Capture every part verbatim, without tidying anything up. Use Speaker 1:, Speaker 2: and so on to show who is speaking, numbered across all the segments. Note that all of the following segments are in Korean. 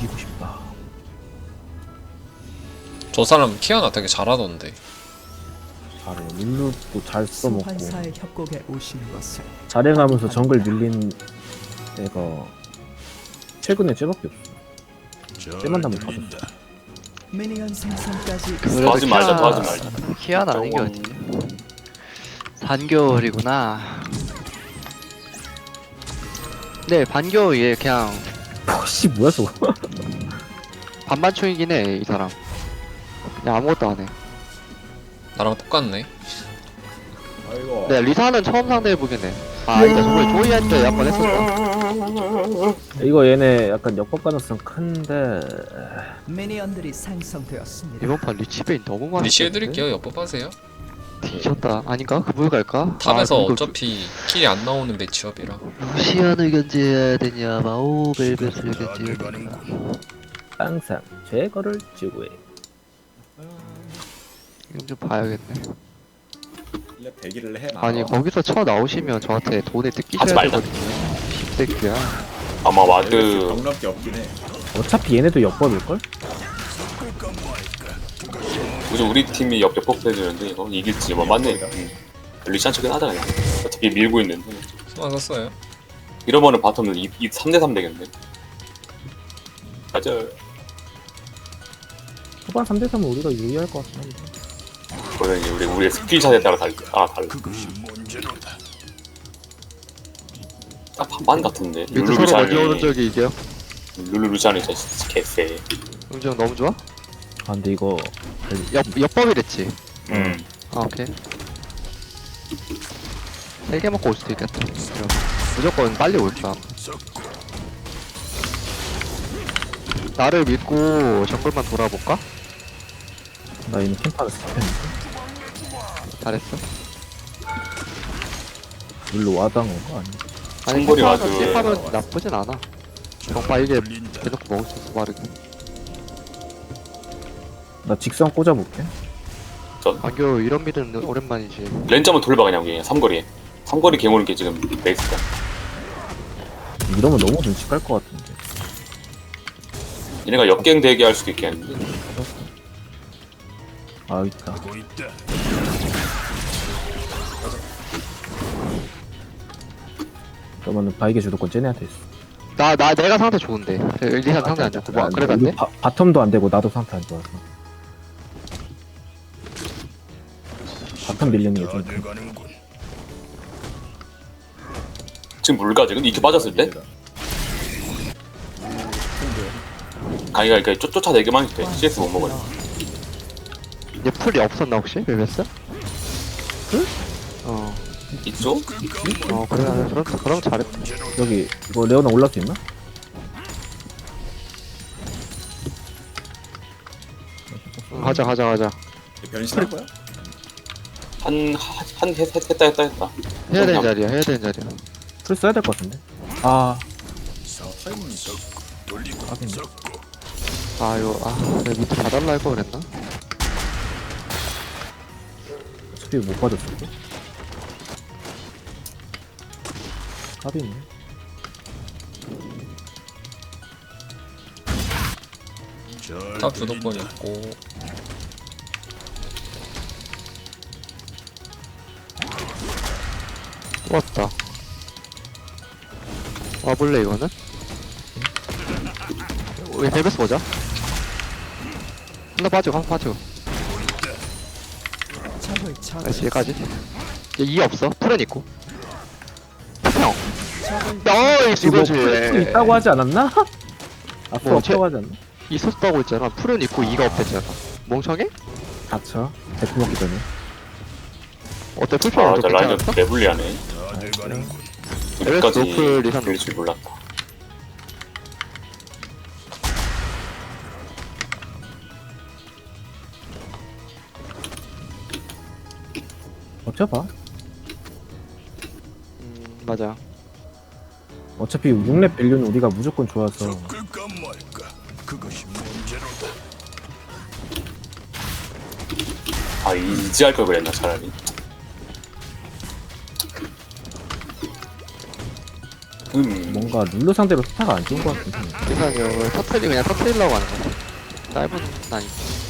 Speaker 1: 죽이고 싶다.
Speaker 2: 저 사람 키아나 되게 잘하던데.
Speaker 1: 잘해. 룰루도 잘 써먹고
Speaker 3: 소환사의 협곡에 오신 것을
Speaker 1: 잘해가면서 정글 밀린 애가 최근에 쟤밖에 없어. 쟤만 나면 다 줬어.
Speaker 3: 미니언 생성까지
Speaker 4: 그래도
Speaker 5: 하지 말자,
Speaker 4: 키아-
Speaker 5: 하지 말자.
Speaker 4: 키아는 아닌 게
Speaker 5: 저건-
Speaker 4: 어디? 반겨울이구나. 네, 반겨울 얘 그냥
Speaker 1: 씨 뭐야 저거.
Speaker 4: 반반총이긴 해, 이 사람. 그냥 아무것도 안 해.
Speaker 2: 나랑 똑같네.
Speaker 6: 아이고.
Speaker 4: 네, 리사는 처음 상대해보긴 해. 아, 아니다, 저번에 조이한테 한번 했었다.
Speaker 1: 이거 얘네 약간 역법 가능성 큰데
Speaker 3: 미니언들이 생성되었습니다.
Speaker 4: 이번 판 리치베인 너무 많아.
Speaker 2: 리시 해드릴게요. 옆법하세요.
Speaker 4: 뒤졌다. 아닌가? 그물 갈까?
Speaker 2: 탑에서
Speaker 4: 아, 그리고
Speaker 2: 어차피 킬이 안 나오는 매치업이라.
Speaker 4: 루시안을 견제해야 되냐, 마오 벨벳을 견제해야 되냐.
Speaker 1: 항상 제거를 지구해.
Speaker 4: 이건 좀 봐야겠네.
Speaker 6: 원래 대기를 해.
Speaker 4: 아니, 거기서 쳐 나오시면 저한테 돈에
Speaker 5: 하지
Speaker 4: 뜯기셔야
Speaker 5: 말자.
Speaker 4: 되거든요. 십새끼야.
Speaker 5: 아마 와드
Speaker 6: 경력이 없긴 해.
Speaker 1: 어차피 얘네도 역법일걸?
Speaker 5: 우선 우리 팀이 옆 옆법 해주는데 이거 이길지 뭐 맞네. 응. 리찬 척은 하다 그냥. 어차피 밀고 있는데.
Speaker 2: 수만 썼어요.
Speaker 5: 이러면은 바텀은 이, 이 삼 대 삼 되겠네. 맞아.
Speaker 1: 초반 삼 대 삼은 우리가 유리할 것 같긴 한데.
Speaker 5: 그거는 이제 우리 우리의 스킬샷에 따라 달 아 달라. 딱 반반 같은데.
Speaker 4: 밑에
Speaker 5: 룰루
Speaker 4: 서로 먼저 오는
Speaker 5: 루시안이
Speaker 4: 적이 이겨.
Speaker 5: 룰루 루시안이 진짜 개쎄.
Speaker 4: 음정 너무 좋아?
Speaker 1: 아 근데 이거
Speaker 4: 옆, 옆법이랬지.
Speaker 5: 음.
Speaker 4: 아, 오케이. 세 개 먹고 올 수도 있겠다. 그럼 무조건 빨리 올 거야. 나를 믿고 정글만 돌아볼까?
Speaker 1: 나 이미 캠파를 스킵했는데.
Speaker 4: 잘했어.
Speaker 1: 물로 와당 온 거 아니야?
Speaker 4: 아니,
Speaker 5: 충분히
Speaker 4: 캠파는
Speaker 5: 와도-
Speaker 4: 씹하면 나쁘진 않아. 정파 이게 대놓고 먹을 수 있어, 빠르게.
Speaker 1: 나 직선 꽂아볼게.
Speaker 4: 안교 이런 미드는 오랜만이지.
Speaker 5: 렌점은 돌봐 그냥 그냥 삼거리에. 삼거리 개모는 게 지금 베이스다.
Speaker 1: 이러면 너무 눈치 깔 것 같은데.
Speaker 5: 얘네가 역갱 대기할 수도 있겠는데.
Speaker 1: 아 있다. 그러면은 바이게 주도권 쟤네한테 있어.
Speaker 4: 나, 나, 내가 상태 좋은데. 리산 상태 안 좋고. 뭐, 그래도 안 돼?
Speaker 1: 바, 바텀도 안 되고 나도 상태 안 좋아서. 바텀 밀리는 게 좀.
Speaker 5: 지금 물가 지금 이렇게 빠졌을 때 가이가 이렇게 쫓, 쫓아내기만 해도 돼. 씨에스 못 먹어요.
Speaker 4: 얘 풀이 없었나, 혹시? 벨벳스?
Speaker 1: 풀?
Speaker 4: 어.
Speaker 5: 있죠?
Speaker 4: 어, 그래. 그럼, 그럼 잘했다.
Speaker 1: 여기 이거 레오나 올라올 수 있나?
Speaker 4: 응, 가자, 가자, 가자.
Speaker 6: 변신할 거야?
Speaker 5: 한한 했, 했, 했다 했다 했다.
Speaker 4: 해야 되는
Speaker 5: 그냥
Speaker 4: 자리야, 해야 되는 자리야.
Speaker 1: 풀 써야 될 것 같은데. 아
Speaker 6: 타이밍이
Speaker 1: 하긴.
Speaker 4: 아, 이거, 아, 내가 밑에 봐달라 할 거 그랬나?
Speaker 1: 어차피 못 받았을 때. 합이네.
Speaker 2: 탑 주도권 있고.
Speaker 4: 또 왔다. 와볼래, 이거는? 우리 벨벳스 보자. 하나 빠지고, 하나 빠지고.
Speaker 3: 적을 적
Speaker 4: 나이스, 얘까지. 얘 이 없어. 풀은 있고. 형.
Speaker 3: 적을
Speaker 4: 어이씨,
Speaker 1: 이거
Speaker 4: 이거지.
Speaker 1: 풀 있다고 하지 않았나? 아, 풀
Speaker 4: 뭐,
Speaker 1: 없다고 하지 않나?
Speaker 4: 있었다고 했잖아. 풀은 있고 이가 없댔잖아. 멍청해?
Speaker 1: 닥쳐. 데프 먹기 전에.
Speaker 4: 어때? 풀평
Speaker 5: 아,
Speaker 4: 좀
Speaker 5: 저 라인은
Speaker 4: 괜찮았어?
Speaker 5: 레블리하네.
Speaker 4: 에베스
Speaker 5: 여기까지
Speaker 4: 노플 리산
Speaker 5: 밀 줄 몰랐다.
Speaker 1: 버텨봐.
Speaker 4: 음, 맞아.
Speaker 1: 어차피 육 렙 밸류는 우리가 무조건 좋아서.
Speaker 5: 아 이지 할 걸 그랬나 차라리. 음.
Speaker 1: 뭔가 룰루 상대로 스타가 안 좋은 것 같긴 해.
Speaker 4: 그러니까요. 터트리 그냥 터트리려고 하는 거야. 짧은 난이.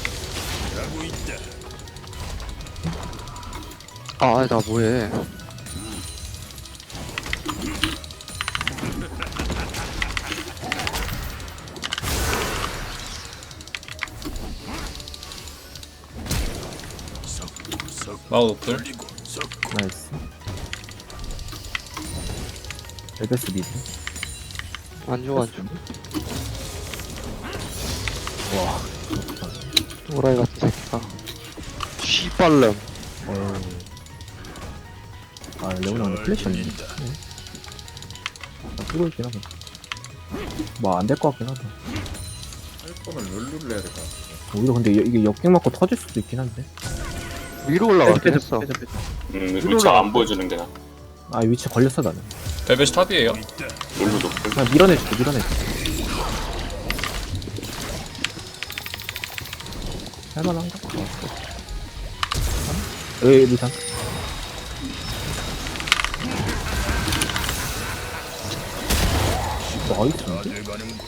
Speaker 4: 아, 나 뭐해?
Speaker 2: 마우 노플.
Speaker 1: 나이스. 엘베스 미드.
Speaker 4: 안 좋아, 안 좋아.
Speaker 1: 와.
Speaker 4: 오라이 같은 새끼가. 씨발름.
Speaker 1: 어우. 아, 레오나 오늘 플래시 없네. 응. 아, 뜨고 있긴 하다. 뭐, 안 될 것 같긴 하다.
Speaker 6: 할 거면 룰루를 해야 될 것 같아.
Speaker 1: 오히려 근데 이- 이게 역갱 맞고 터질 수도 있긴 한데.
Speaker 4: 위로 올라가긴
Speaker 1: 빼자,
Speaker 4: 했어.
Speaker 1: 빼자, 빼자.
Speaker 5: 음, 위치가 안 보여주는 게 나.
Speaker 1: 아, 위치 걸렸어, 나는.
Speaker 2: 벨벳이 탑이에요.
Speaker 5: 룰루 높을.
Speaker 1: 그냥 밀어내줄게, 밀어내줄게. 할만한가? 어, 에이, 루탄. 나이스인데?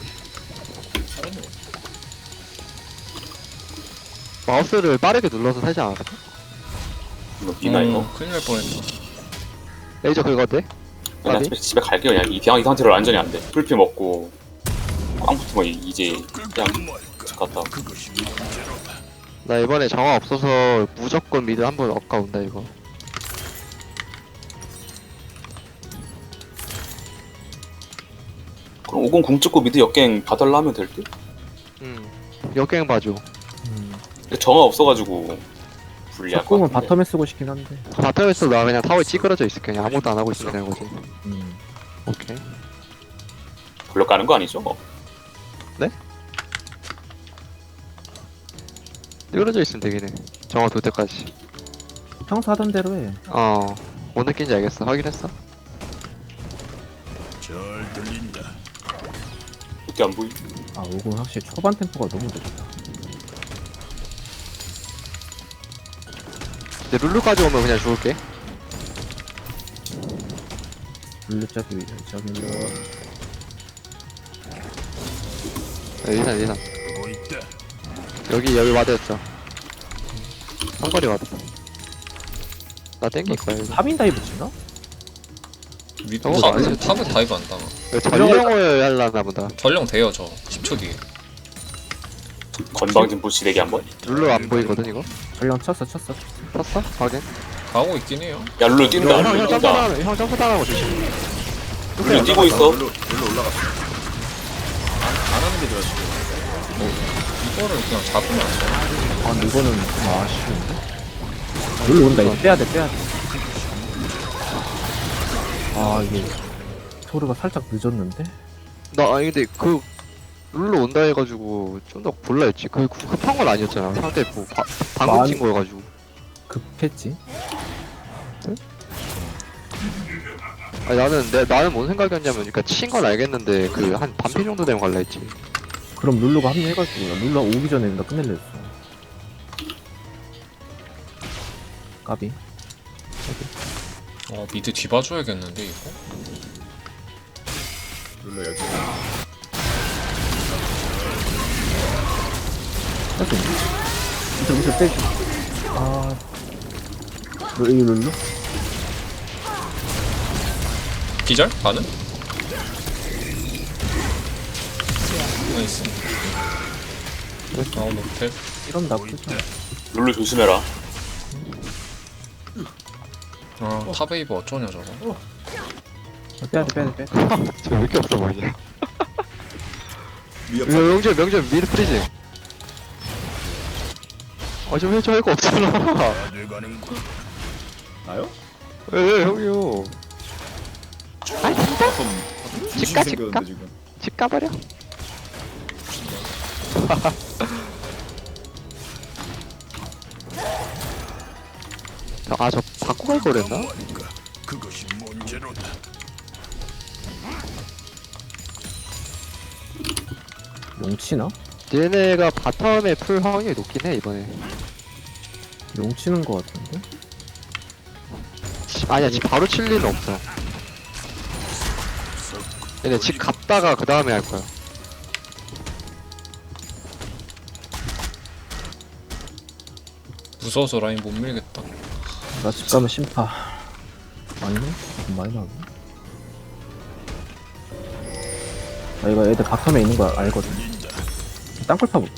Speaker 4: 마우스를 빠르게 눌러서 살지 않았어?
Speaker 5: 이거 비나 이거.
Speaker 2: 어, 큰일 날 뻔했다.
Speaker 4: 레이저 그거 돼?
Speaker 5: 그냥
Speaker 4: 까비?
Speaker 5: 집에, 집에 갈게 그냥. 이, 그냥 이 상태로 완전히 안 돼. 풀피 먹고 꽝 붙으면 이- 이제 그냥 집 갔다.
Speaker 4: 나 이번에 정화 없어서 무조건 미드 한번 엇가 온다 이거.
Speaker 5: 그럼 오공 궁 찍고 미드 역갱 봐달라 하면 될 듯?
Speaker 4: 응. 역갱 봐줘.
Speaker 1: 음.
Speaker 5: 근데 정화 없어가지고 불리할 것
Speaker 1: 조금은
Speaker 5: 같은데.
Speaker 1: 바텀에 쓰고 싶긴 한데.
Speaker 4: 바텀에서 나 그냥 타워에 찌그러져 있을게. 그냥 아무것도 안 하고 있으면 되는 거지.
Speaker 1: 음.
Speaker 4: 오케이.
Speaker 5: 블럭 가는 거 아니죠?
Speaker 4: 찌그러져 있으면 되긴 해. 정화 돌 때까지.
Speaker 1: 평소 하던 대로 해.
Speaker 4: 어. 뭔 느낌인지 알겠어. 확인했어?
Speaker 5: 이렇게 안 보이?
Speaker 1: 아, 오공 확실히 초반 템포가 너무 좋다.
Speaker 4: 근데 룰루까지 오면 그냥 죽을게.
Speaker 1: 룰루 짝이, 저기,
Speaker 4: 리산 리산. 여기 여기 와드였죠. 상거리 와드. 나 땡길 거야 이거.
Speaker 1: 삼인 다이브 치나?
Speaker 2: 미,
Speaker 4: 저거
Speaker 2: 탑,
Speaker 4: 아니지?
Speaker 2: 탑은 다이브 안 당하.
Speaker 4: 이거 전령을 하려나 보다.
Speaker 2: 전령 돼요 저. 십 초 뒤에.
Speaker 5: 건방진 부시 내기 한번.
Speaker 4: 룰루 안 보이거든 이거.
Speaker 1: 전령 쳤어, 쳤어.
Speaker 4: 탔어? 확인.
Speaker 2: 가고 있긴 해요.
Speaker 5: 야 룰루 뛴다.
Speaker 4: 형, 형
Speaker 5: 룰루
Speaker 4: 점프
Speaker 5: 뛴다.
Speaker 4: 당하는 형 점프 당하는 거 조심.
Speaker 5: 룰루 뛰고 있어.
Speaker 6: 룰루 룰루 올라갔어. 안, 안 하는 게 좋아 지금.
Speaker 2: 이거를 그냥 잡으면 안 돼.
Speaker 1: 아, 근데 이거는 좀 아쉬운데? 룰루 온다, 이거 빼야돼, 빼야돼. 아, 이게, 토르가 살짝 늦었는데?
Speaker 4: 나 아니 근데 그 룰루 온다 해가지고 좀 더 볼라 했지. 그 급한 건 아니었잖아. 상대 뭐 바, 방금
Speaker 1: 많이-
Speaker 4: 친 거여가지고.
Speaker 1: 급했지?
Speaker 4: 아니 나는 내 나는 뭔 생각이었냐면, 그러니까 친 건 알겠는데 그 한 반피 정도 되면 갈라 했지.
Speaker 1: 그럼 룰루가 합류해가지고, 룰루가 오기 전에 나 끝낼려 했어. 까비.
Speaker 2: 어 미드 뒤봐줘야겠는데 이거.
Speaker 6: 룰루 여기.
Speaker 1: 할수 있네. 밑으로, 밑으로 빼줘. 아. 룰, 이 룰루?
Speaker 2: 기절? 가는? 나이스. 마우 노텔.
Speaker 1: 이런 나쁘지 않아.
Speaker 5: 룰루 조심해라.
Speaker 2: 아 탑웨이브 어쩌냐 저거.
Speaker 1: 아, 빼야돼, 빼야돼, 빼야돼.
Speaker 4: 저 왜 이렇게 없어 보이냐.
Speaker 6: 위협.
Speaker 4: 이거 명절 명절 미드 프리징. 아좀 해줘 할 거 없잖아.
Speaker 6: 나요?
Speaker 4: 왜, 왜 형이요. 아이 진짜?
Speaker 6: 바텀
Speaker 4: 집가,
Speaker 6: 생겼는데
Speaker 4: 집가?
Speaker 6: 지금.
Speaker 4: 집 가버려. 아 저 바꿔 갈 거랬나?
Speaker 1: 용치나?
Speaker 4: 얘네가 바텀에 풀 확률이 높긴 해 이번에.
Speaker 1: 용치는 거 같은데?
Speaker 4: 지- 아니야 지금 바로 칠 리는 없어. 얘네 집 갔다가 그 다음에 할 거야.
Speaker 2: 무서워서 라인 못 밀겠다.
Speaker 1: 나 집 가면 심파. 아니네? 좀 많이 나오네. 아, 이거 애들 바텀에 있는 거 알거든. 땅굴 파볼게.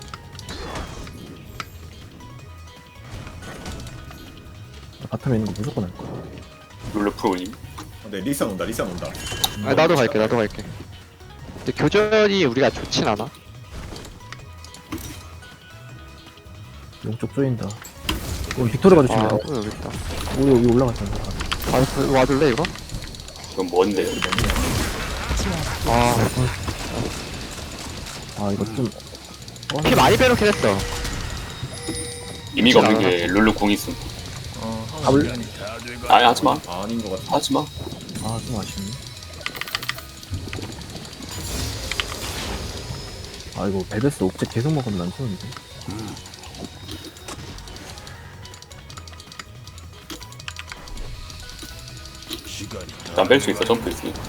Speaker 1: 나 바텀에 있는 거 무조건 알 거야.
Speaker 5: 룰루 프로님.
Speaker 6: 어, 네 리산 온다 리산 온다.
Speaker 4: 아 나도 갈게 나도 갈게. 근데 교전이 우리가 좋진 않아.
Speaker 1: 용쪽 쪼인다. 우리 빅토르가
Speaker 4: 아
Speaker 1: 조심해.
Speaker 4: 어, 여기 있다.
Speaker 1: 우리 여기 올라갔잖아.
Speaker 4: 아 그, 와줄래 이거?
Speaker 5: 이건 뭔데요?
Speaker 4: 아
Speaker 1: 아, 이거 좀.
Speaker 4: 피 많이 빼놓긴 했어.
Speaker 5: 의미가 없는 게 룰루 궁 있음.
Speaker 2: 어,
Speaker 1: 잡을-
Speaker 2: 하면
Speaker 5: 아니 하지마.
Speaker 6: 아닌 것 같아.
Speaker 5: 하지마.
Speaker 1: 아, 좀 아쉽네. 아, 이거 벨베스 옵제 계속 먹으면 안 좋은데.
Speaker 5: 일단 뺄 수 있어. 점프 있으니까.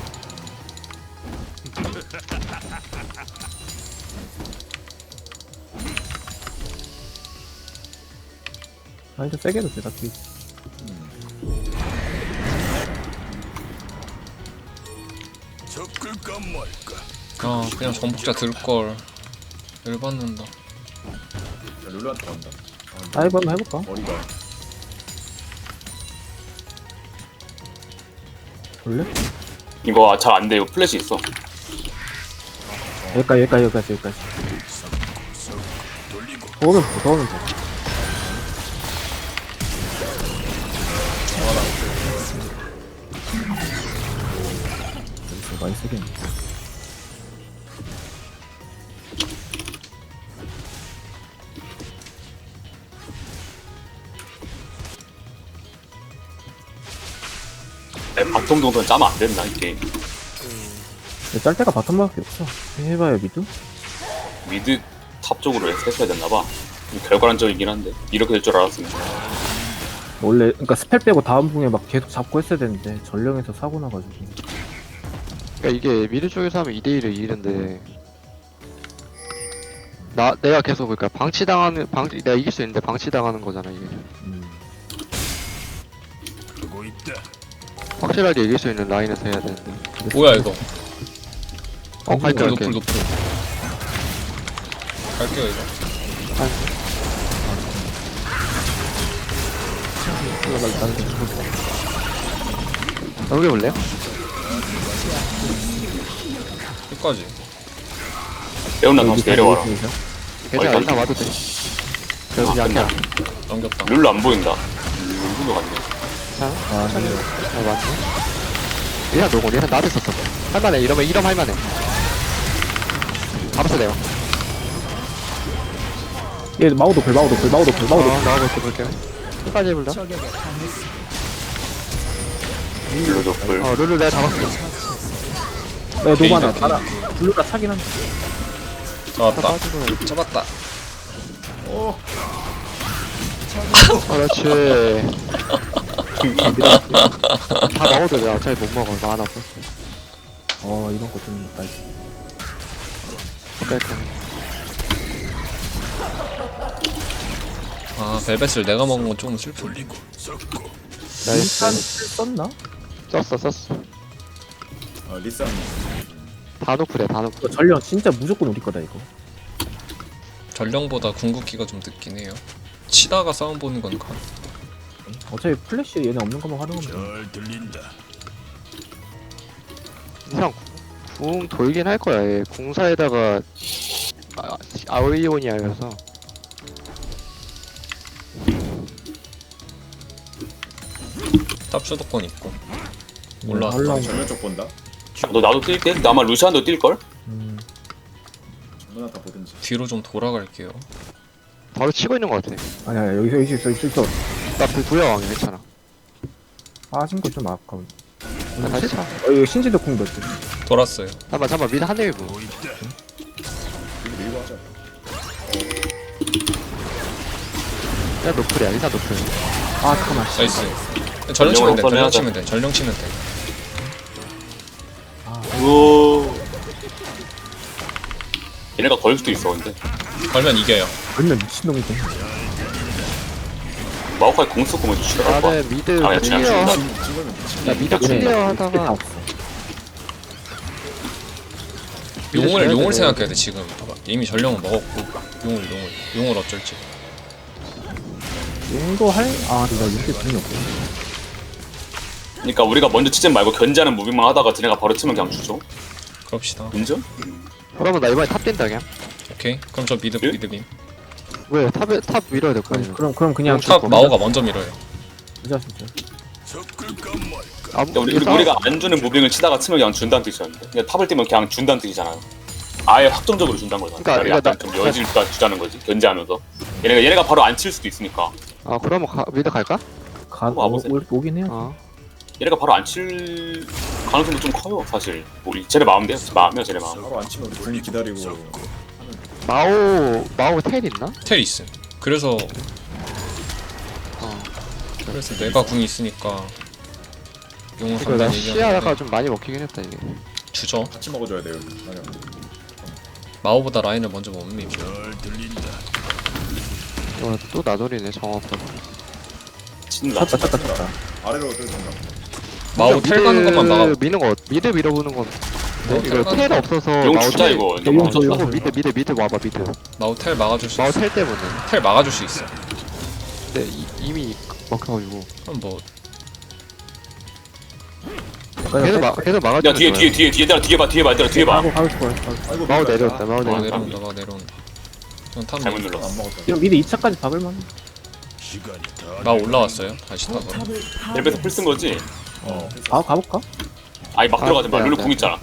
Speaker 1: 아, 이제 세게 해도 돼, 딱히.
Speaker 2: 아 그냥 전복자 들걸. 열받는다.
Speaker 6: 야, 룰루한테 간다.
Speaker 1: 다이브 한번 해볼까?
Speaker 6: 머리가.
Speaker 1: 볼래?
Speaker 5: 이거 잘 안 돼. 이거 플래시 있어.
Speaker 1: 여기까지, 여기까지, 여기까지, 여기까지. 더 오면 돼, 더 오면 돼. 여기서 많이 쓰겠네.
Speaker 5: 내 바텀 정도는 짜면 안 된다 이 게임.
Speaker 1: 근데 짤 때가 바텀밖에 없어. 해봐야 미드?
Speaker 5: 미드 탑 쪽으로 했어야 됐나봐. 결과론적이긴 한데 이렇게 될 줄 알았으면.
Speaker 1: 원래, 그니까 스펠 빼고 다음 궁에 막 계속 잡고 했어야 되는데, 전령에서 사고 나가지고.
Speaker 4: 그러니까 이게 미드 쪽에서 하면 이 대 일을 이기는데 나 내가 계속 그러니까 방치당하는 방 내가 이길 수 있는데 방치당하는 거잖아 이게.
Speaker 1: 음.
Speaker 4: 확실하게 이길 수 있는 라인에서 해야 되는데.
Speaker 2: 뭐야 이거?
Speaker 4: 어 갈게
Speaker 2: 노플
Speaker 4: 갈게.
Speaker 2: 노플 노플. 갈게요 이거.
Speaker 4: 넘겨볼래요?
Speaker 2: 끝까지.
Speaker 5: 레온나 다시 내려와라.
Speaker 4: 괜찮아
Speaker 5: 어이,
Speaker 4: 일단 와도 돼. 그래도
Speaker 5: 아,
Speaker 4: 약해.
Speaker 2: 넘겼다.
Speaker 5: 룰루 안 보인다. 룰루 같네.
Speaker 4: 괜찮아?
Speaker 1: 아,
Speaker 4: 천천히. 아 맞네. 얘가 노고 얘가 나도 있었어. 할만해 이러면 이러면 할만해. 잡았어 내가.
Speaker 1: 얘 마우도 글, 마우도 글, 마우도 글, 마우도 글.
Speaker 4: 어 나와볼게 볼게. 끝까지 해볼래?
Speaker 3: 적에게 당했습니다.
Speaker 5: 룰루 노플.
Speaker 4: 어 룰루 내가 잡았어.
Speaker 1: 네, 노바나.
Speaker 2: 게이드.
Speaker 1: 알아. 블루가 차긴 한데.
Speaker 2: 잡았다.
Speaker 4: 빠지고.
Speaker 2: 잡았다.
Speaker 4: 그렇지. 다 먹어도 돼. 어차피 못 먹어. 나 하나 없어.
Speaker 1: 어, 이런 거 좀 나이스.
Speaker 4: 뺄게.
Speaker 2: 아 벨벳을 내가 먹은 건 조금 슬프네.
Speaker 1: 일단
Speaker 4: 나이스.
Speaker 1: 썼나?
Speaker 4: 썼어 썼어.
Speaker 6: 어 리산.
Speaker 4: 다 노플이야 다 노플.
Speaker 1: 이거 전령 진짜 무조건 우리 거다, 이거.
Speaker 2: 전령보다 궁극기가 좀 늦긴 해요. 치다가 싸움 보는 건 가.
Speaker 1: 어차피 플래시 얘네 없는 것만 활용하면 돼.
Speaker 4: 이상 궁 돌긴 할 거야. 얘. 궁사에다가 아, 아오이오니아여서.
Speaker 2: 탑 수도권 있고.
Speaker 1: 음,
Speaker 2: 올라왔다.
Speaker 1: 올라온 거.
Speaker 6: 정면 쪽 본다.
Speaker 5: 너 나도 뛸게. 근데 아마 루시안도 뛸걸?
Speaker 1: 음,
Speaker 6: 정면 다 보든지.
Speaker 2: 뒤로 좀 돌아갈게요.
Speaker 4: 바로 치고 있는 거 같아.
Speaker 1: 아니야, 아니야, 여기서, 여기 있어, 여기 있어.
Speaker 4: 나 불 부여왕이 괜찮아.
Speaker 1: 빠진 거 좀 아까워.
Speaker 4: 나 다시 차.
Speaker 1: 어, 이거 신지도 궁 몇 개.
Speaker 2: 돌았어요.
Speaker 4: 잠깐만 잠깐만 미드 한 대일 분.
Speaker 6: 이거 밀고 하자.
Speaker 4: 일단 노플이야 일단 노플.
Speaker 1: 아, 잠깐만.
Speaker 2: 나이스. 전령 치면 돼.
Speaker 5: 전령으로
Speaker 2: 전령
Speaker 5: 하자.
Speaker 2: 치면 돼. 전령 치면 돼.
Speaker 1: 아,
Speaker 5: 오. 얘네가 걸 수도 있어 근데.
Speaker 2: 걸면 이겨요.
Speaker 1: 얼마나 미친놈이지.
Speaker 5: 마오카이 공 쓰고 먼저 치더라고.
Speaker 4: 나는 미드
Speaker 5: 아, 그냥 그냥
Speaker 4: 클리어
Speaker 5: 죽는다.
Speaker 6: 찍으면 미친.
Speaker 4: 나 미드
Speaker 1: 얘네
Speaker 4: 클리어
Speaker 1: 다
Speaker 4: 하다가
Speaker 1: 없어.
Speaker 2: 용을
Speaker 4: 져야
Speaker 2: 용을
Speaker 4: 돼.
Speaker 2: 생각해야 돼 지금. 봐봐. 이미 전령은 먹었고 용을 용을 용을 어쩔지.
Speaker 1: 용도 할? 아 근데 나 용도 돈이 없고.
Speaker 5: 그러니까 우리가 먼저 치지 말고 견제하는 무빙만 하다가 쟤네가 바로 치면 그냥 주죠.
Speaker 2: 그럽시다.
Speaker 5: 인정?
Speaker 4: 그러면 나 이번에 탑 뛴다 그냥.
Speaker 2: 오케이. 그럼 저 미드
Speaker 5: 예?
Speaker 2: 미드 빔.
Speaker 4: 왜 탑에 탑 밀어야 될 거
Speaker 1: 그럼
Speaker 4: 아니야.
Speaker 1: 그럼 그럼 그냥
Speaker 2: 탑 마오가 먼저 밀어요.
Speaker 1: 진짜 진짜.
Speaker 4: 아무
Speaker 5: 그러니까 우리,
Speaker 4: 이게 싸움-
Speaker 5: 우리가 안 주는 무빙을 치다가 치면 그냥 준다는 뜻이었는데 그냥 탑을 뛰면 그냥 준다는 뜻이잖아요. 아예 확정적으로 준다는 거잖아.
Speaker 4: 그러니까
Speaker 5: 그러니까
Speaker 4: 이거
Speaker 5: 약간 좀 여지를 또 주자는 거지. 견제하면서. 얘네가 얘네가 바로 안 칠 수도 있으니까.
Speaker 4: 아 그러면 가, 미드 갈까?
Speaker 1: 가
Speaker 5: 어, 와보세요.
Speaker 1: 오, 오긴 해요.
Speaker 4: 어.
Speaker 5: 얘네가 바로 안 칠 가능성도 좀 커요 사실. 우리 쟤네 마음대로 마음이야 쟤네 마음.
Speaker 6: 바로 안 치면 궁 기다리고.
Speaker 4: 마오 마오 텔 있나?
Speaker 2: 텔 있음. 그래서
Speaker 4: 어.
Speaker 2: 그래서 내가 궁이 있으니까 용을
Speaker 4: 이거 나
Speaker 2: 한다는
Speaker 4: 시야가
Speaker 2: 얘기하는데
Speaker 4: 좀 많이 먹히긴 했다 이게.
Speaker 2: 주죠.
Speaker 6: 같이 먹어줘야 돼요. 아니야.
Speaker 2: 마오보다 라인을 먼저 못 밀면
Speaker 4: 이거 또 나돌이네 정확하게.
Speaker 5: 친다.
Speaker 1: 쳤다 쳤다 쳤다.
Speaker 6: 아래로 뜯는다.
Speaker 2: 마오 텔 가는 것만 막아.
Speaker 4: 미는 거 미드 밀어보는 건.
Speaker 2: 마오
Speaker 4: 이거
Speaker 2: 텔
Speaker 4: 텔
Speaker 2: 가는
Speaker 4: 없어서
Speaker 5: 용
Speaker 4: 마오
Speaker 5: 주자
Speaker 4: 텔-
Speaker 5: 이거.
Speaker 1: 용
Speaker 5: 너무
Speaker 1: 줘,
Speaker 5: 좋다.
Speaker 4: 이거 미드 미드 미드 와봐 미드.
Speaker 2: 마오 텔 막아줄 수
Speaker 4: 마오
Speaker 2: 있어.
Speaker 4: 텔 때문에.
Speaker 2: 텔 막아줄 수 있어.
Speaker 4: 근데 이, 이미 먹혀가지고.
Speaker 2: 그럼 뭐
Speaker 4: 계속 막 계속 막아주는
Speaker 5: 야 뒤에
Speaker 4: 거야.
Speaker 5: 뒤에 뒤에 뒤에 얘들아 뒤에 봐 뒤에 봐 얘들아 뒤에 봐.
Speaker 1: 가고 가고 싶어 가고 싶어.
Speaker 6: 아이고
Speaker 4: 마오
Speaker 6: 미안하다.
Speaker 4: 내려왔다 마오
Speaker 2: 마오
Speaker 4: 내려왔다.
Speaker 2: 내려온다 마오 내려온다. 그냥 탑
Speaker 5: 잘못
Speaker 2: 밀-
Speaker 5: 눌렀어.
Speaker 6: 안 먹었다.
Speaker 1: 지금 미드 이 차까지 박을만.
Speaker 2: 마오 올라왔어요. 다시 탑으로.
Speaker 3: 포탑을
Speaker 5: 랩에서 풀 쓴 거지?
Speaker 6: 어.
Speaker 1: 가 가볼까?
Speaker 5: 아니 막
Speaker 4: 아,
Speaker 5: 들어가지 마.
Speaker 4: 네,
Speaker 5: 룰루
Speaker 4: 네.
Speaker 5: 궁 있잖아.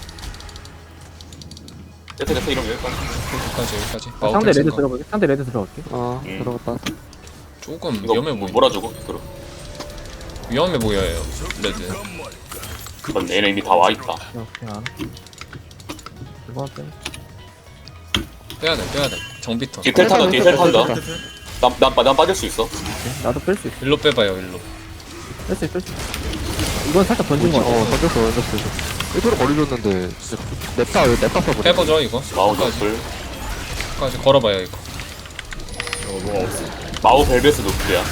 Speaker 5: 됐다 됐다 이러면 여기까지.
Speaker 2: 여기까지 여기까지. 마오
Speaker 1: 상대
Speaker 2: 텔
Speaker 1: 레드
Speaker 2: 생각.
Speaker 1: 들어볼게. 상대 레드 들어갈게.
Speaker 4: 어
Speaker 5: 음.
Speaker 4: 들어갔다.
Speaker 2: 조금
Speaker 5: 이거
Speaker 2: 위험해 보인다.
Speaker 5: 몰아주고 그럼.
Speaker 2: 위험해 보여요. 레드.
Speaker 5: 그건 얘네 이미 다 와 있다.
Speaker 1: 그냥 그냥 안. 이거 할게.
Speaker 2: 빼야 돼 빼야 돼. 정비턴.
Speaker 5: 뒤에 텔 탄다 뒤에 텔 탄다.
Speaker 4: 텔
Speaker 5: 난난 난 빠질 수 있어.
Speaker 1: 나도 뺄 수 있어.
Speaker 2: 일로 빼봐요 일로.
Speaker 1: 뺄 수 있어 뺄 수 있어. 이건 살짝 던진 거 같아.
Speaker 4: 어 던졌어 던졌어. 일부러 거리줬는데 냅다 냅다 써버려.
Speaker 2: 빼보죠 이거.
Speaker 5: 마우
Speaker 2: 끝까지
Speaker 5: 노플.
Speaker 2: 끝까지 걸어봐요 이거.
Speaker 6: 어 뭐가 없어.
Speaker 5: 마우 벨벳스 노플이야.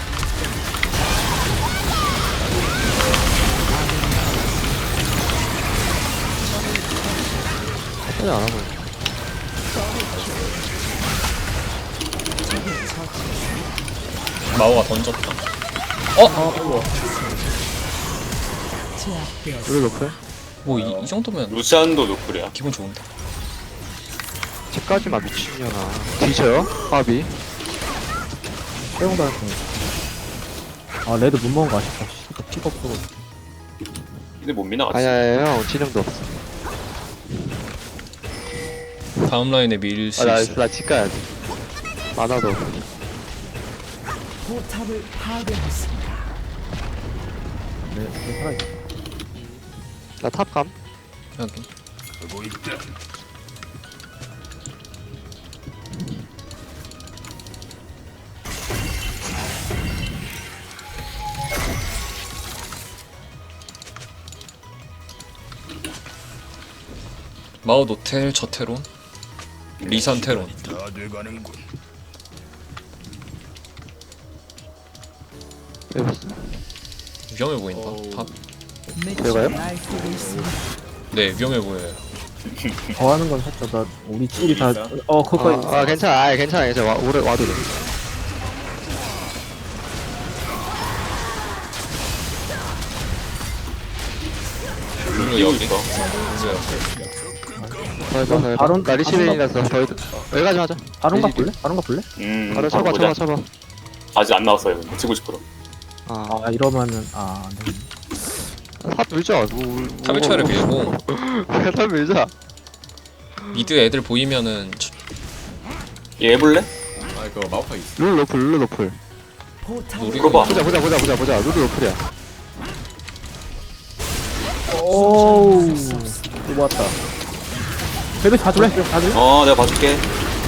Speaker 4: 하지 안 하고.
Speaker 2: 마오가 던졌다.
Speaker 3: 제압되었습니다.
Speaker 4: 우리 높여?
Speaker 2: 뭐 이 정도면
Speaker 5: 루시안도 노플이야.
Speaker 2: 기분 좋은데.
Speaker 4: 집까지만 미친년아. 뒤져요? 밥이.
Speaker 1: 빼고 다녔어. 아 레드 못 먹은 거 아쉽다. 씨, 이거 피가 없어.
Speaker 5: 근데 못 미나 같이.
Speaker 4: 아니야 아니야 형 지능도 없어.
Speaker 2: 다음 라인에 밀 수
Speaker 4: 아나
Speaker 2: 있어.
Speaker 4: 나 집 가야지. 많아도.
Speaker 3: 포탑을 파괴했습니다.
Speaker 1: 네, 네, 살아있어.
Speaker 4: 나 탑감.
Speaker 2: 여기. 마오 노텔 저테론 리산 테론.
Speaker 4: 빼봤어.
Speaker 2: 위험해 보인다.
Speaker 6: 어우.
Speaker 2: 탑.
Speaker 4: 제가요?
Speaker 3: 날뛰고 있습니다.
Speaker 2: 네 위험해 보여요.
Speaker 1: 더 하는 건 살짝 나 우리 둘이 다. 어 그거.
Speaker 4: 아, 아 괜찮아 아 괜찮아 괜찮아 와, 오래 와도 돼.
Speaker 2: 룰루
Speaker 5: 뛰고
Speaker 2: 여기.
Speaker 5: 있어.
Speaker 2: 있어요.
Speaker 4: 더 해봐 더 해봐.
Speaker 1: 바론-
Speaker 4: 나 리시벤이라서 더 해도. 여기까지 하자.
Speaker 1: 바론 가
Speaker 4: 리시벤.
Speaker 1: 볼래? 바론 가 볼래?
Speaker 5: 음.
Speaker 4: 바로
Speaker 5: 바로
Speaker 4: 쳐봐
Speaker 5: 보자.
Speaker 4: 쳐봐 쳐봐.
Speaker 5: 아직 안 나왔어요. 근데 치고 싶어.
Speaker 4: 아
Speaker 1: 아 이러면은 아 네.
Speaker 4: 탑 밀자. 뭐,
Speaker 2: 탑일 차를 밀고
Speaker 4: 탑 밀자.
Speaker 2: 미드 애들 보이면은 저-
Speaker 5: 얘 해볼래?
Speaker 6: 아 이거 마우카이 있어.
Speaker 4: 룰 로플 룰 로플.
Speaker 3: 포탑을
Speaker 2: 우리
Speaker 5: 물어봐.
Speaker 4: 보자 보자 보자 보자 보자. 룰 로플이야.
Speaker 1: 오우. 이거 왔다. 베베 가줄래? 다 줄래?
Speaker 5: 어 내가 봐줄게.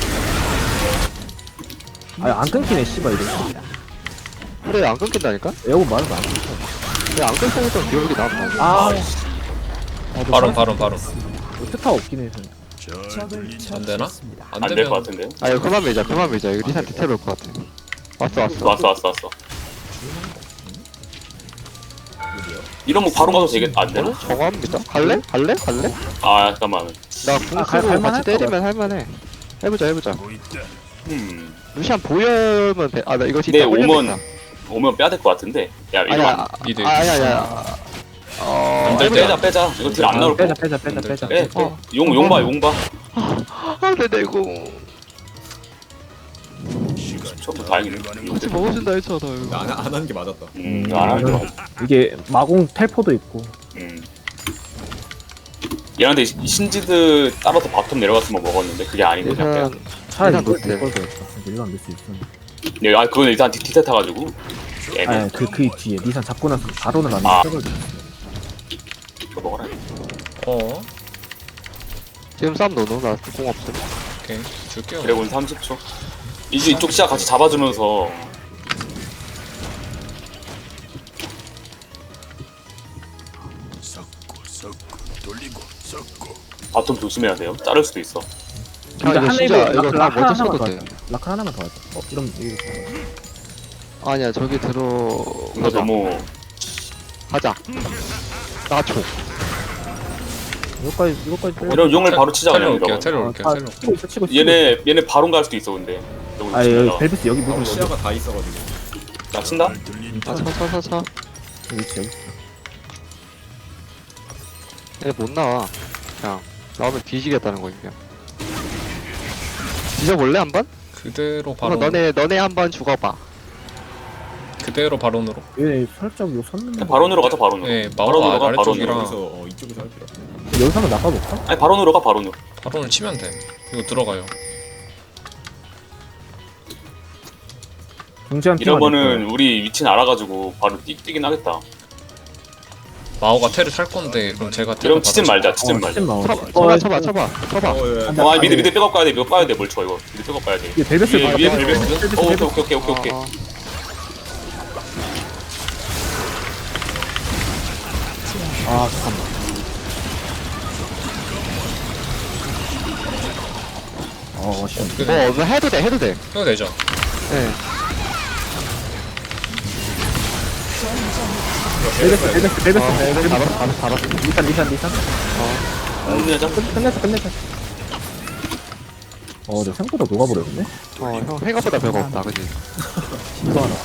Speaker 1: 아니 안 끊기네 씨발 이거.
Speaker 4: 그래 안 끊긴다니까?
Speaker 1: 에어건 말은 안 끊겨.
Speaker 4: 내가 안 끊겼던 기억이 나.
Speaker 1: 아 어, 너
Speaker 2: 바론
Speaker 1: 살-
Speaker 2: 바론 바론.
Speaker 1: 어, 트타 없긴 해서.
Speaker 3: 적을
Speaker 2: 안 되나?
Speaker 3: 처치했습니다.
Speaker 2: 안
Speaker 5: 안 될 것
Speaker 2: 되면
Speaker 5: 같은데요?
Speaker 4: 아 이거 그만 밀자 그만 밀자 이거 리산 디테일 올것 같아 왔어 왔어
Speaker 5: 왔어 왔어 왔어. 이러면 바로 가도 되겠 안 되나?
Speaker 4: 정화합니다 갈래? 갈래? 갈래?
Speaker 5: 아 잠깐만.
Speaker 4: 나
Speaker 1: 아,
Speaker 4: 궁
Speaker 1: 갈-
Speaker 4: 쓰고
Speaker 1: 갈만할
Speaker 4: 같이
Speaker 1: 것
Speaker 4: 때리면 할만해 해보자 해보자
Speaker 5: 음.
Speaker 4: 루시안 보여면 돼. 아, 나 이거 진짜
Speaker 5: 네
Speaker 4: 홀렸겠다.
Speaker 5: 오면 오면 빼야 될 것 같은데. 야 이거
Speaker 4: 아니야,
Speaker 5: 안-
Speaker 2: 미드.
Speaker 4: 아니야, 아니야. 어,
Speaker 2: 안 될
Speaker 5: 빼자 빼자. 이거 딜 안 나올 거.
Speaker 1: 빼자 빼자 빼자 빼자.
Speaker 5: 빼.
Speaker 4: 어.
Speaker 5: 용 용봐 용봐.
Speaker 4: 아, 네, 네, 이거
Speaker 5: 저도 다행이네.
Speaker 4: 같이 먹어준다 했잖아. 이거.
Speaker 6: 안, 안 하는 게 맞았다.
Speaker 5: 음 안 하는 거.
Speaker 1: 이게 마공 텔포도 있고.
Speaker 5: 음. 얘한테 신지드 따라서 바텀 내려갔으면 먹었는데 그게 아니고 그냥 빼야.
Speaker 4: 일단
Speaker 1: 차라리
Speaker 4: 일단
Speaker 1: 이걸
Speaker 4: 노텔.
Speaker 1: 이걸 거였어. 일반 밀수 있었는데.
Speaker 5: 네, 아 그건 일단 디테일 타가지고. 애매.
Speaker 1: 아니 그그 뒤에 니산 잡고 나서 바로는 안
Speaker 5: 아.
Speaker 1: 돼.
Speaker 5: 이거 먹어라.
Speaker 2: 어
Speaker 4: 지금 싸움 넣어. 나공 없음.
Speaker 2: 오케이 줄게요.
Speaker 5: 드래곤 삼십 초. 이제 이쪽 시야 같이 잡아주면서 바텀 조심해야 돼요. 자를 수도 있어.
Speaker 4: 아, 이거 진짜 이거 다
Speaker 1: 라카
Speaker 4: 먼저
Speaker 1: 하나만
Speaker 4: 써도
Speaker 1: 더
Speaker 4: 돼.
Speaker 1: 하자. 라카 하나만 더 하자. 어 이러면 이거
Speaker 4: 아니야, 저기 들어.
Speaker 5: 이거
Speaker 4: 가자.
Speaker 5: 너무
Speaker 4: 가자. 나초.
Speaker 1: 이거까지 이거까지 빼.
Speaker 5: 이런 용을 바로 치자
Speaker 2: 텔로
Speaker 5: 그냥
Speaker 2: 올게요.
Speaker 5: 이러면.
Speaker 2: 텔로 올게요.
Speaker 1: 아,
Speaker 2: 텔로.
Speaker 1: 치고 있어 치고 있어.
Speaker 5: 얘네 얘네 바론 갈 수도 있어 근데. 너무
Speaker 1: 아 여기
Speaker 5: 조심해라.
Speaker 1: 벨비스 여기
Speaker 6: 어,
Speaker 1: 무슨 여기
Speaker 6: 시야가 다 있어가지고.
Speaker 5: 나 친다?
Speaker 4: 아, 차, 차, 차, 차.
Speaker 1: 위치 여기.
Speaker 4: 얘못 나와. 그냥 나오면 뒤지겠다는 거지, 그냥. 뒤져볼래, 한 번?
Speaker 2: 그대로
Speaker 4: 바로
Speaker 2: 바론.
Speaker 4: 너네, 너네 한 번 죽어봐.
Speaker 2: 그대로 바론으로.
Speaker 1: 얘 살짝 요 섰는데.
Speaker 5: 바론으로 가자 바론으로.
Speaker 2: 네
Speaker 5: 바론으로
Speaker 2: 마오가
Speaker 5: 가
Speaker 2: 아래쪽이라
Speaker 5: 바론으로.
Speaker 6: 여기서 어, 이쪽에서 할 필요 없어.
Speaker 1: 여기서 한번 나가볼까?
Speaker 5: 아니 바론으로 가 바론으로.
Speaker 2: 바론을 치면 돼. 이거 들어가요.
Speaker 1: 중지한
Speaker 5: 이러면은 우리 위치는 알아가지고 바로 뛰, 뛰긴 하겠다.
Speaker 2: 마오가 테를 살 건데 그럼 제가 테를
Speaker 5: 이러면 치진 말자 치진
Speaker 1: 어,
Speaker 5: 말자.
Speaker 1: 치진 마.
Speaker 4: 쳐봐, 쳐봐, 쳐봐, 쳐봐. 쳐봐.
Speaker 6: 어, 예.
Speaker 1: 안
Speaker 5: 어, 아니
Speaker 1: 돼,
Speaker 5: 미드
Speaker 1: 안
Speaker 5: 미드 백업 가야 돼. 이거 빠야 돼. 뭘 쳐 이거. 미드 백업 가야 돼.
Speaker 1: 돼. 벨베스
Speaker 5: 위에
Speaker 1: 봐,
Speaker 5: 위에
Speaker 1: 벨베스.
Speaker 5: 벨베스.
Speaker 1: 벨베스,
Speaker 5: 어, 오케이
Speaker 1: 벨베스.
Speaker 5: 오케이 오케이 오케이 오케이.
Speaker 4: 어, 어.
Speaker 1: 아 잠깐만. 어 시원.
Speaker 2: 어떻게
Speaker 4: 뭐,
Speaker 2: 돼?
Speaker 4: 뭐 해도 돼, 해도 돼.
Speaker 2: 해도 되죠.
Speaker 4: 예.
Speaker 1: 벨베스 벨베스 벨베스.
Speaker 4: 어,
Speaker 1: 벨베스.
Speaker 4: 잡았어, 잡았어, 잡았어.
Speaker 1: 리산 리산 리산.
Speaker 5: 끝내자.
Speaker 1: 끝 끝냈어 끝냈어. 어, 저 생각보다 녹아버렸네.
Speaker 4: 어, 형, 생각보다 별거 없다, 그지?
Speaker 1: 이거 하나.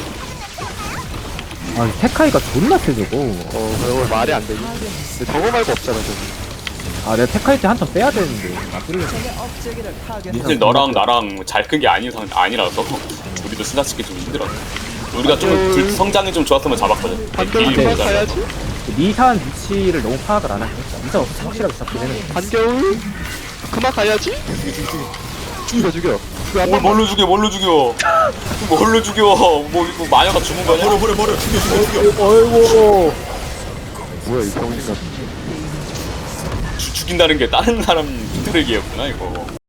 Speaker 1: 아, 이 테카이가 존나 세 저거.
Speaker 4: 어, 그거 말이 안 되지. 근데 저거 말고 없잖아, 저기.
Speaker 1: 아, 내가 테카이 때 한턴 빼야 되는데. 아, 끌려.
Speaker 3: 적의 업적이를 파괴.
Speaker 5: 사실 너랑 나랑 잘 큰 게 아닌 상 아니라서 우리도 스나 찍기 좀 힘들어. 우리가 좀 둘, 성장이 좀 좋았으면 잡았거든.
Speaker 4: 반겨울
Speaker 5: 딜이
Speaker 4: 그만
Speaker 5: 모자라.
Speaker 4: 가야지.
Speaker 1: 니산 위치를 너무 파악을 안 하니까. 니산 확실하게 잡긴 했는데.
Speaker 4: 반겨울 그만 가야지. 죽여, 죽여. 죽여, 한
Speaker 5: 뭘
Speaker 4: 번만.
Speaker 5: 뭘로 죽여 뭘로 죽여 뭘로 죽여 뭐 이거 마녀가 죽은 거냐?
Speaker 6: 버려 버려 버려 죽여 죽여 죽여.
Speaker 1: 어이구.
Speaker 4: 뭐야, 이 병신 같은.
Speaker 5: 죽- 죽인다는 게 다른 사람 힘들기였구나 이거.